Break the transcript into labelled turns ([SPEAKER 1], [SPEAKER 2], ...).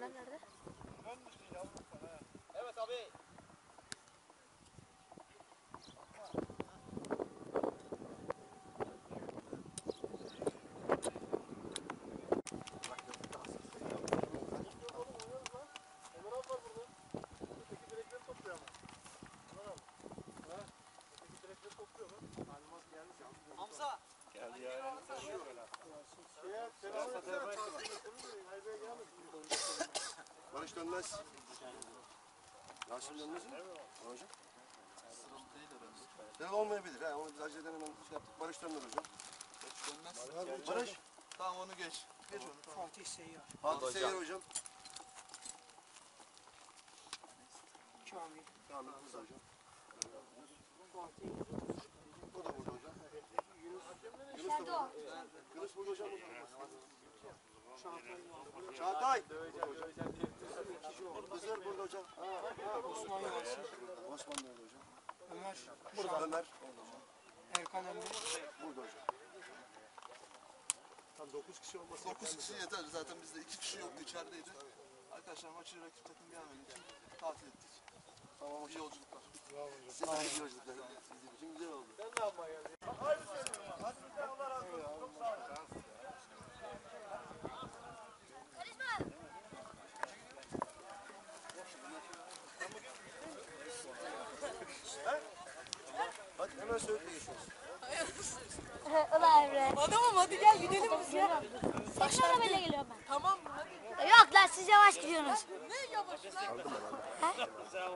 [SPEAKER 1] Ömer nerede?
[SPEAKER 2] Evet abi. Hamza.
[SPEAKER 3] Geldi ya.
[SPEAKER 4] Barış dönmez. Yasin dönmez mi? Hocam. Değil olmayabilir. Ha. Onu biz aceleden hemen şey yaptık. Barış dönmez hocam.
[SPEAKER 3] Dönmez.
[SPEAKER 4] Barış.
[SPEAKER 3] Tamam onu geç. Geç onu. Tamam.
[SPEAKER 5] Fatih Seyyar.
[SPEAKER 4] Fatih Seyyar hocam.
[SPEAKER 5] Kamil.
[SPEAKER 4] Kamil burada hocam.
[SPEAKER 5] Fatih.
[SPEAKER 4] O da burada hocam. Yunus
[SPEAKER 1] Nerede
[SPEAKER 4] da
[SPEAKER 1] o?
[SPEAKER 4] burada. Yunus burada hocam.
[SPEAKER 5] Çağatay.
[SPEAKER 4] Çağatay.
[SPEAKER 5] İkinci
[SPEAKER 4] Hızır burada hocam.
[SPEAKER 5] Osman Yasin.
[SPEAKER 4] Osman da orada hocam.
[SPEAKER 5] Ömer.
[SPEAKER 4] Burada Ömer. Orada hocam.
[SPEAKER 5] Erkan Emre.
[SPEAKER 4] Burada hocam. Tam 9 kişi olması.
[SPEAKER 3] 9 kişi yeter. Zaten bizde 2 kişi yoktu, içerideydi. Arkadaşlar maçı rakip takım gelmediği için tatil ettik.
[SPEAKER 4] Tamam
[SPEAKER 3] İyi
[SPEAKER 4] hocam.
[SPEAKER 3] yolculuklar.
[SPEAKER 4] Size de iyi yolculuklar. Bizim için güzel oldu. Hadi hemen söğütle geçiyoruz.
[SPEAKER 1] Ulan Emre.
[SPEAKER 6] Adamım hadi gel gidelim biz ya.
[SPEAKER 1] Senin arabayla geliyorum ben.
[SPEAKER 6] Tamam mı? Hadi.
[SPEAKER 1] Yok lan siz yavaş gidiyorsunuz.
[SPEAKER 6] Ne yavaş lan?